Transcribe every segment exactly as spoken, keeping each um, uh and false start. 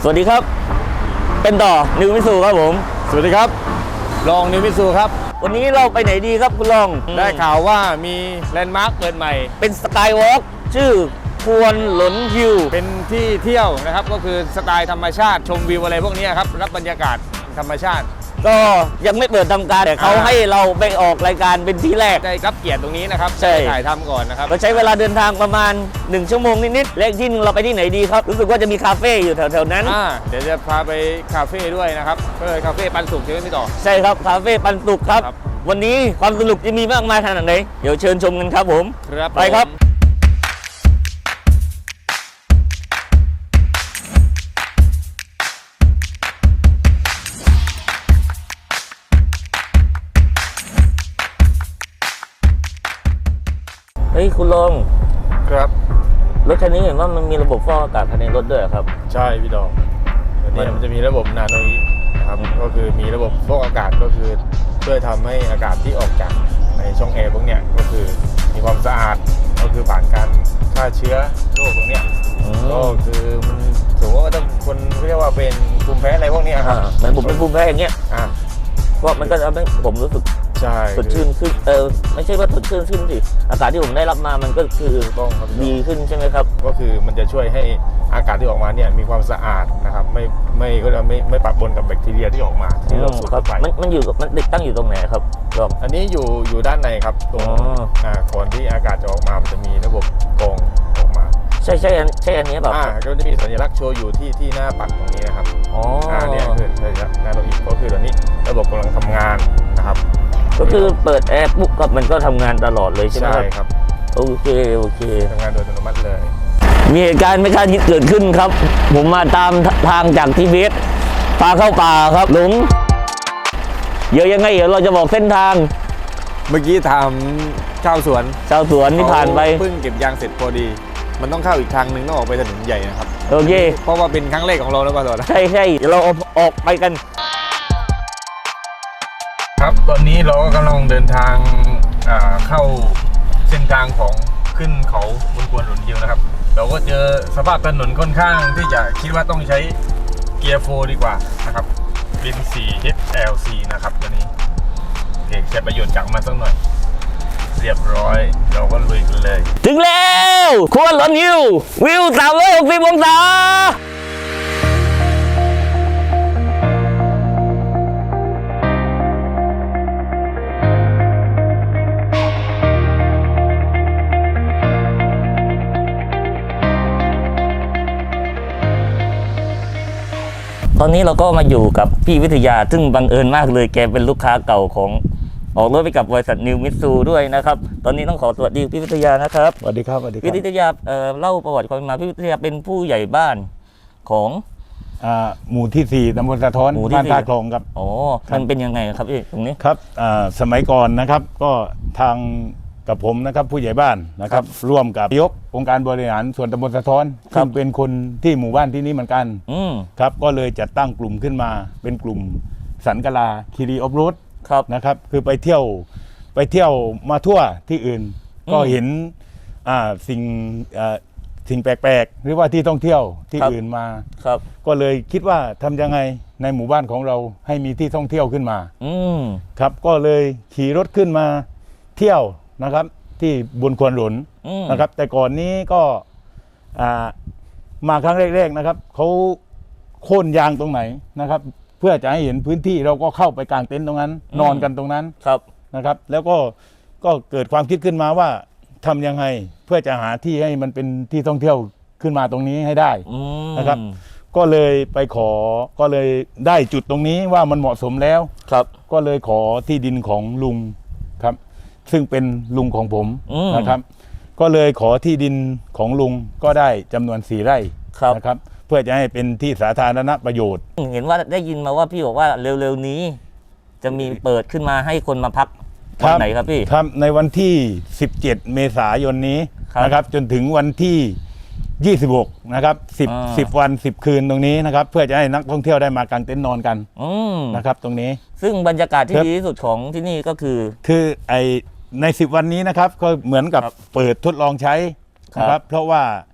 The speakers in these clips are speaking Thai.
สวัสดีครับเป็นต่อนิวมิสูครับผมสวัสดีครับรองนิวมิสูครับวันนี้เราไปไหนดีครับคุณรองได้ข่าวว่ามีแลนด์มาร์คเปิดใหม่เป็นสกายวอล์กชื่อควนหลนฮิวเป็นที่เที่ยวนะครับก็คือสไตล์ธรรมชาติชมวิวอะไรพวกนี้ครับรับบรรยากาศธรรมชาติก็ยังไม่เปิดทำการแต่เขาให้เราไปออกรายการเป็นที่แรกได้รับเกียรติตรงนี้นะครับใช่ถ่ายทำก่อนนะครับเราใช้เวลาเดินทางประมาณหนึ่งชั่วโมงนิดๆเลขที่นึงเราไปที่ไหนดีครับรู้สึกว่าจะมีคาเฟ่อยู่แถวๆนั้นเดี๋ยวจะพาไปคาเฟ่ด้วยนะครับก็เลยคาเฟ่ปันสุกใช่ไหมพี่ต่อใช่ครับคาเฟ่ปันสุกครับวันนี้ความสนุกจะมีมากมายขนาดไหนเดี๋ยวเชิญชมกันครับผมไปครับเฮ้ยคุณลงครับรถคันนี้เห็นว่ามันมีระบบฟอกอากาศภายในรถด้วยครับใช่พี่ดอกอันนี้มันจะมีระบบนาโนอินะครับก็คือมีระบบฟอกอากาศก็คือช่วยทำให้อากาศที่ออกจากในช่องแอร์พวกเนี้ยก็คือมีความสะอาดก็คือผ่านการฆ่าเชื้อโรคตรงเนี้ยก็คือมันสมมติว่าถ้าคนเรียกว่าเป็นภูมิแพ้อะไรพวกนี้ครับเหมือนผมเป็นภูมิแพ้อย่างเงี้ยเพราะมันก็ทำให้ผมรู้สึกสดชื่นขึ้นเออไม่ใช่ว่าสดชื่นขึ้นสิอากาศที่ผมได้รับมามันก็คือต้องดีขึ้นใช่ไหมครับก็คือมันจะช่วยให้อากาศที่ออกมาเนี่ยมีความสะอาดนะครับไม่ไม่ก็จะไม่ไม่ปะปนกับแบคทีเรียที่ออกมาที่เราสูดเข้าไปมันมันอยู่มันติดตั้งอยู่ตรงไหนครับรองอันนี้อยู่อยู่ด้านในครับตรงก่อนที่อากาศจะออกมามันจะมีระบบกรองออกมาใช่ใช่ใช่อันนี้แบบอ่าก็จะมีสัญลักษณ์โชว์อยู่ที่ที่หน้าปัดตรงนี้นะครับอ๋ออ่าเนี่ยคือสัญลักษณ์นาโนอิก็คือตอนนี้ระบบกำลังทำงานนะครับก็คือเปิดแอร์ปุ๊บก็มันก็ทำงานตลอดเลยใช่ไหมครับใช่ครับโอเคโอเคทำงานโดยอัตโนมัติเลยมีเหตุการณ์ไม่คาดคิดเกิดขึ้นครับผมมาตามทางจากทิเบตพาเข้าป่าครับหลงเยอะยังไงเดี๋ยวเราจะบอกเส้นทางเมื่อกี้ถามชาวสวนชาวสวนที่ผ่านไปเพิ่งเก็บยางเสร็จพอดีมันต้องเข้าอีกทางหนึ่งต้องออกไปถนนใหญ่นะครับโอเคเพราะว่าเป็นครั้งแรกของเราแล้วป่ะต่อใช่ใช่เดี๋ยวเราออกไปกันครับตอนนี้เราก็กำลังเดินทางเข้าเส้นทางของขึ้นเขาบนควนหลนฮิวนะครับเราก็เจอสภาพถนนค่อนข้างที่จะคิดว่าต้องใช้เกียร์โฟร์ดีกว่านะครับเป็น โฟร์ เอช แอล ซี นะครับตัวนี้โอเคใช้ประโยชน์จากมันสักหน่อยเรียบร้อยเราก็ลุยกันเลยถึงแล้วควนหลนฮิววิวสามร้อยหกสิบองศาตอนนี้เราก็มาอยู่กับพี่วิทยาซึ่งบังเอิญมากเลยแกเป็นลูกค้าเก่าของออกรถไปกับบริษัทนิวมิตซูด้วยนะครับตอนนี้ต้องขอสวัสดีพี่วิทยานะครับสวัสดีครับสวัสดีครับพี่วิทยาเอ่อเล่าประวัติความมาพี่วิทยาเป็นผู้ใหญ่บ้านของอ่าหมู่ที่สี่ตำบลสะท้อนบ้านท่าคลองครับอ๋อมันเป็นยังไงครับพี่ตรงนี้ครับอ่าสมัยก่อนนะครับก็ทางกับผมนะครับผู้ใหญ่บ้านนะครับร่วมกับนายกองค์การบริหารส่วนตำบลสะท้อนซึ่งเป็นคนที่หมู่บ้านที่นี้เหมือนกันครับก็เลยจัดตั้งกลุ่มขึ้นมาเป็นกลุ่มสันกลาคีรีออฟโรดนะครับคือไปเที่ยวไปเที่ยวมาทั่วที่อื่นก็เห็นอ่าสิ่งอ่าสิ่งแปลกๆหรือว่าที่ท่องเที่ยวที่อื่นมาก็เลยคิดว่าทำยังไงในหมู่บ้านของเราให้มีที่ท่องเที่ยวขึ้นมาครับก็เลยขี่รถขึ้นมาเที่ยวนะครับที่บนควนหลนนะครับแต่ก่อนนี้ก็มาครั้งแรกๆนะครับเขาโค่นยางตรงไหนนะครับเพื่อจะให้เห็นพื้นที่เราก็เข้าไปกางเต็นท์ตรงนั้นนอนกันตรงนั้นนะครับแล้วก็ก็เกิดความคิดขึ้นมาว่าทำยังไงเพื่อจะหาที่ให้มันเป็นที่ท่องเที่ยวขึ้นมาตรงนี้ให้ได้นะครับก็เลยไปขอก็เลยได้จุดตรงนี้ว่ามันเหมาะสมแล้วครับก็เลยขอที่ดินของลุงครับซึ่งเป็นลุงของผมนะครับก็เลยขอที่ดินของลุงก็ได้จำนวนสี่ไร่นะครับเพื่อจะให้เป็นที่สาธารณประโยชน์เห็นว่าได้ยินมาว่าพี่บอกว่าเร็วๆนี้จะมีเปิดขึ้นมาให้คนมาพักวันไหนครับพี่ครับในวันที่สิบเจ็ดเมษายนนี้นะครับจนถึงวันที่ยี่สิบหกนะครับสิบ สิบวันสิบคืนตรงนี้นะครับเพื่อจะให้นักท่องเที่ยวได้มากางเต็นท์นอนกันนะครับตรงนี้ซึ่งบรรยากาศที่ดีที่สุดของที่นี่ก็คือคือไอในสิบวันนี้นะครับก็เหมือนกับเปิดทดลองใช้นะครับเพราะว่าเพ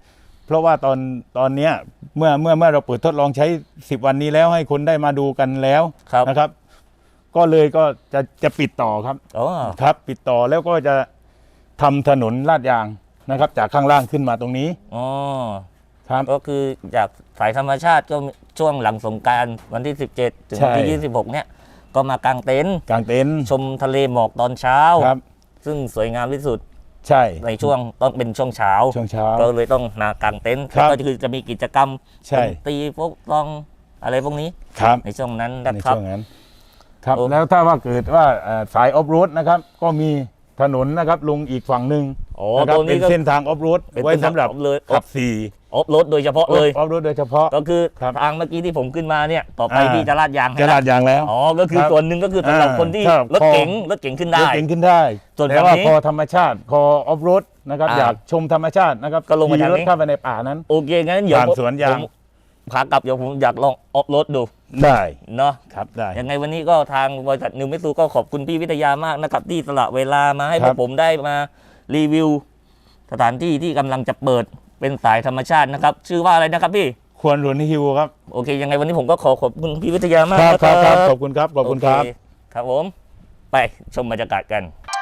เพราะว่าตอนตอนเนี้ยเมื่อเมื่อเมื่อเราเปิดทดลองใช้สิบวันนี้แล้วให้คนได้มาดูกันแล้วครับนะครับ ก็เลยก็จะจะปิดต่อครับอ๋อครับ ปิดต่อแล้วก็จะทำถนนลาดยางนะครับ จากข้างล่างขึ้นมาตรงนี้อ๋อครับก็คือจากสายธรรมชาติก็ช่วงหลังสงกรานต์วันที่สิบเจ็ดถึงวันที่ใช่ยี่สิบหกเนี่ยก็มากางเต็นท์กางเต็นท์ชมทะเลหมอกตอนเช้าครับซึ่งสวยงามที่สุดใช่ในช่วงต้องเป็นช่วงเช้าช่วงเช้าก็เลยต้องมากางเต็นท์ครับก็คือจะมีกิจกรรมใช่ดนตรีพวกลองอะไรพวกนี้ครับในช่วงนั้นในนะครับช่วงนั้น ครับโอ้แล้วถ้าว่าเกิดว่าเอ่อสายออฟโรดนะครับ ก็มีถนนนะครับลงอีกฝั่งหนึ่งโอ้นะครัตบรงเป็นี้นก็เส้นทางออฟโรดเป็นไว้สำหรับเส้นทาง off-road ขับสี่ออฟโรดโดยเฉพาะเลยออฟโรดโดยเฉพาะก็คือครับทางเมื่อกี้ที่ผมขึ้นมาเนี่ยต่อไปอ่าที่จะลาดยางให้จะลาดยางแล้วอ๋อก็คือครับส่วนหนึ่งก็คือสำหรับอ่าคนที่ครับรถพอเก๋งรถเก๋งขึ้นได้รถเก่งขึ้นได้ส่วนแต่ว่าฝั่งนี้พอธรรมชาติพอออฟโรดนะครับอ่าอยากชมธรรมชาตินะครับก็ลงมาขี่ทางรนี้ถเข้าไปในป่านั้นโอเคงั้นเดี๋ยวผ่านผมสวนยางผมขากลับเดี๋ยวผมอยากลองออฟโรดดูได้เนาะครับได้ยังไงวันนี้ก็ทางบริษัทนิวเมสูก็ขอบคุณพี่วิทยามากนะครับที่สละเวลามาให้พครัวบกผมได้มารีวิว สถานที่ที่กำลังจะเปิดเป็นสายธรรมชาตินะครับ ชื่อว่าอะไรนะครับพี่ควรหลวนฮิวครับโอเค ยังไงวันนี้ผมก็ขอขอบคุณพี่วิทยามากครับนะครับครับขอบคุณครับขอบคุณครับโเครับผม ไปชมบรรยากาศกัน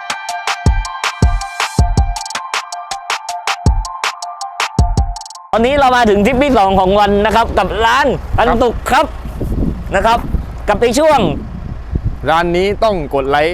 ตอนนี้เรามาถึงทริปที่สองของวันนะครับ กับร้านปันตุกครับนะครับ กับในช่วงร้านนี้ต้องกดไลค์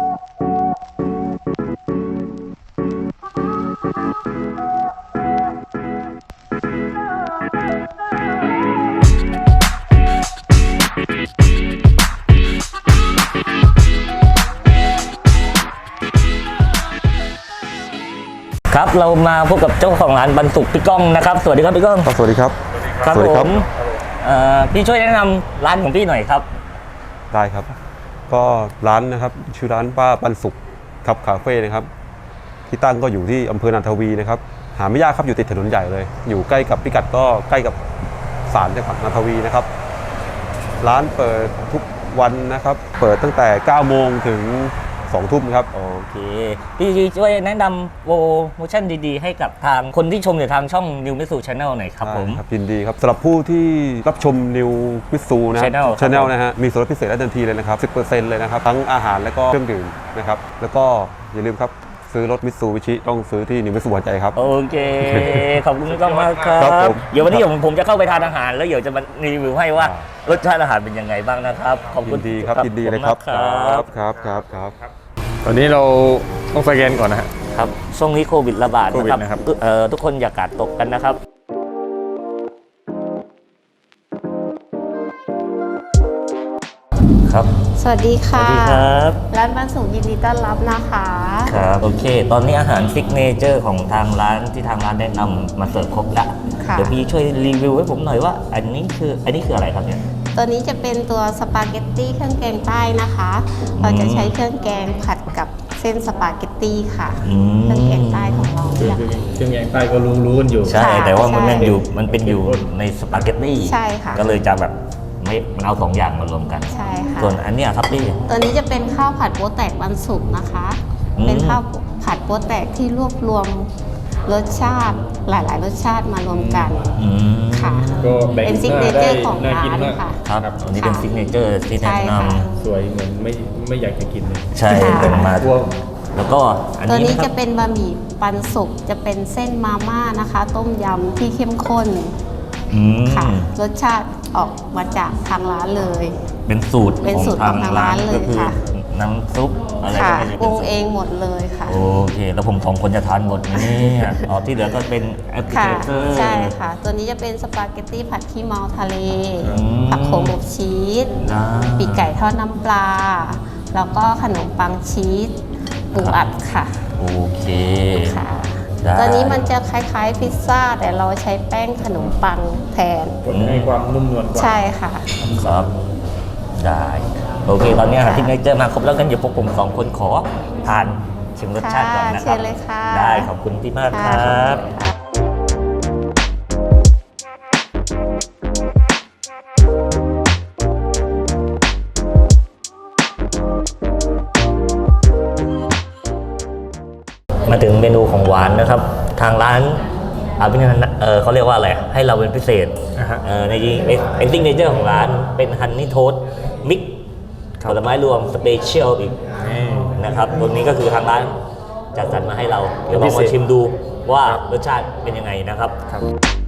ครับเรามาพบกับเจ้าของร้านปันสุกพี่ก้องนะครับ สวัสดีครับพี่ก้องครับสวัสดีครับครับสวัสดีผครับมเอ่อพี่ช่วยแนะนำร้านของพี่หน่อยครับได้ครับ ก็ร้านนะครับชื่อร้านป้าปันสุขครับคาเฟ่นะครับ ที่ตั้งก็อยู่ที่อำเภอนันทวีนะครับ หาไม่ยากครับอยู่ติดถนนใหญ่เลย อยู่ใกล้กับพิกัดก็ใกล้กับศาลจังหวัดนันทวีนะครับ ร้านเปิดทุกวันนะครับ เปิดตั้งแต่เก้าโมงถึงสองทุ่มครับโอเค พี่ช่วยแนะนำโปรโมชั่นดีๆ ให้กับทางคนที่ชมอยู่ทางช่อง New m i t s u Channel หน่อยครับผมได้ครับยินดีครับสำหรับผู้ที่รับชมนิววิสูนะ Channel ครับชแนลนะฮะมีส่วนลดพิเศษและทันทีเลยนะครับ สิบเปอร์เซ็นต์ เลยนะครับ ทั้งอาหารและก็เครื่องดื่มนะครับ แล้วก็อย่าลืมครับ ซื้อรถมิตซูบิชิต้องซื้อที่นิววิสูหัวใจครับโอเค ขอบคุณพี่ก้องมากครัครับบผมเดี๋ยววันนี้ผมผมจะเข้าไปทานอาหาร แล้วเดี๋ยวจะมารีวิวให้ว่าอ่รสชาติอาหารเป็นยังไงบ้างนะครับ ขอบยิคุณนดีครับยินดีเลยครับขอบคุณมากครับครับครับครับตอนนี้เราต้องสแกนก่อนนะฮะครับช่วงนี้โควิดระบาดโควิดนะนะคครัรับบ เอ่อทุกคนอย่ากาดตกกันนะครับ ครับสวัสดีสค่ะวัสดีครับร้านบ้านสุขยินดีต้อนรับนะคะครับโอเค ตอนนี้อาหารซิกเนเจอร์ของทางร้านที่ทางร้านแนะนำมาเสิร์ฟครบแล้วค่ะเดี๋ยวพี่ช่วยรีวิวให้ผมหน่อยว่า อันนี้คืออันนี้คืออะไรครับเนี่ยตัวนี้จะเป็นตัวสปาเกตตี้เครื่องแกงใต้นะคะ เราจะใช้เครื่องแกงผัดกับเส้นสปาเกตตี้ค่ะอืมเครื่องแกงใต้ของเราเนี่ยเครื่องแกงใต้ก็รู้รู้กันอยู่ใช่ค่ะแต่ว่ามันใช่เป็นอยู่มันเป็นอยู่ในสปาเกตตี้ใช่ค่ะก็เลยจะแบบไม่มันเอาสองอย่างมารวมกันใช่ค่ะส่วนอันเนี้ยครับพี่ตัวนี้จะเป็นข้าวผัดโป๊แตกวันศุกร์นะคะอืมเป็นข้าวผัดโป๊แตกที่รวบรวมรสชาติหลาย ๆ รสชาติมารวมกันอืมค่ะก็แบ่งเป็นซิกหเนน้าเจได้อร์ของน่าร้ากินนมากค่ะครับอันนี้เป็นค่ะซิกเนเจอร์ที่แนะใช่นค่ะสวยเหมือนไม่ไม่อยากจะกินเลยำใช่ค่ะเป็นมาพวกแล้วก็อันตัวนี้นี้นะคจะรับเป็นบะหมี่ปันสุกจะเป็นเส้นมาม่านะคะ ต้มยำที่เข้มข้นอืมค่ะ รสชาติออกมาจากทางร้านเลยเป็นสูตรเป็นสูตรของทางร้านเลยก็คือค่ะน้ำซุปอะไรค่ะก็ไม่ได้ปรุงเป็นสูตรเองหมดเลยค่ะโอเค แล้วผมสองคนจะทานหมดไหมเนี่ยอ๋อที่เหลือก็เป็นแอปเปิลค่ะเตอร์ใช่ค่ะ ตัวนี้จะเป็นสปาเกตตี้ผัดขี้เมาทะเลอืมผักโขมอบชีสอ่าปีกไก่ทอดน้ำปลา แล้วก็ขนมปังชีสปูอัดค่ะโอเคค่ะได้ตัวนี้มันจะคล้ายๆพิซซ่า แต่เราใช้แป้งขนมปังแทนผลให้ความนุ่มนวลกว่าใช่ค่ะครับ ได้ โอเค ตอนนี้อาหารที่เนเจอร์มาครบแล้วกันเดี๋ยวพวกผมสองคนขอทานชิมรสชาติก่อนนะคเชิรับญเลยค่ะได้ขอบคุณพี่มากคค่ะรับ มาถึงเมนูของหวานนะครับ ทางร้านอ่าเป็นเออเขาเรียกว่าอะไรให้เราเป็นพิเศษอ่าฮะเออในไอซิงเนเจอร์ของร้านเป็นฮันนี่โทสมิกผลไม้รวมสเปเชียลอีกนี่นะครับตัวนี้ก็คือทางร้านจัดสรรมาให้เราเดี๋ยวลองพิมาเศษชิมดูว่ารสชาติเป็นยังไงนะครับครับ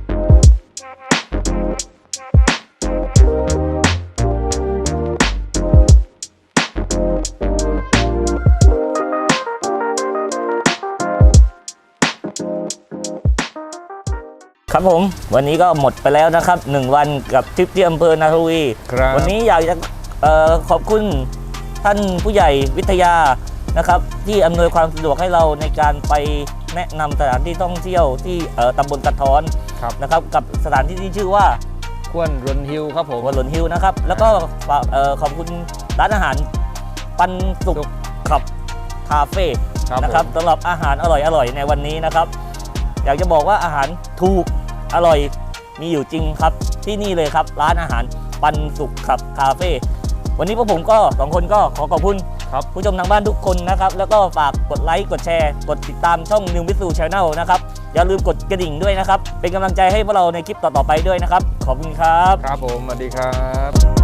ครับผมวันนี้ก็หมดไปแล้วนะครับหนึ่งวันกับทริปที่อำเภอนาทวีครับวันนี้อยากจะเอ่อขอบคุณท่านผู้ใหญ่วิทยานะครับที่อำนวยความสะดวกให้เราในการไปแนะนำสถานที่ท่องเที่ยวที่เอ่อตำบลกระท้อนครับนะครับกับสถานที่ที่ชื่อว่าควนรนฮิลครับผมวัดหลนฮิลนะครับแล้วก็ฝากเอ่อขอบคุณร้านอาหารปันสุขขับคาเฟ่ครับนะครับผมสำหรับอาหารอร่อยๆในวันนี้นะครับ อยากจะบอกว่าอาหารถูกอร่อยมีอยู่จริงครับที่นี่เลยครับร้านอาหารปันสุขขับคาเฟ่วันนี้พวกผมก็สองคนก็ขอขอบคุณครับผู้ชมทางบ้านทุกคนนะครับแล้วก็ฝากกดไลค์กดแชร์กดติดตามช่อง New Mitsu Channel นะครับอย่าลืมกดกระดิ่งด้วยนะครับเป็นกำลังใจให้พวกเราในคลิปต่อๆไปด้วยนะครับขอบคุณครับครับผมสวัสดีครับ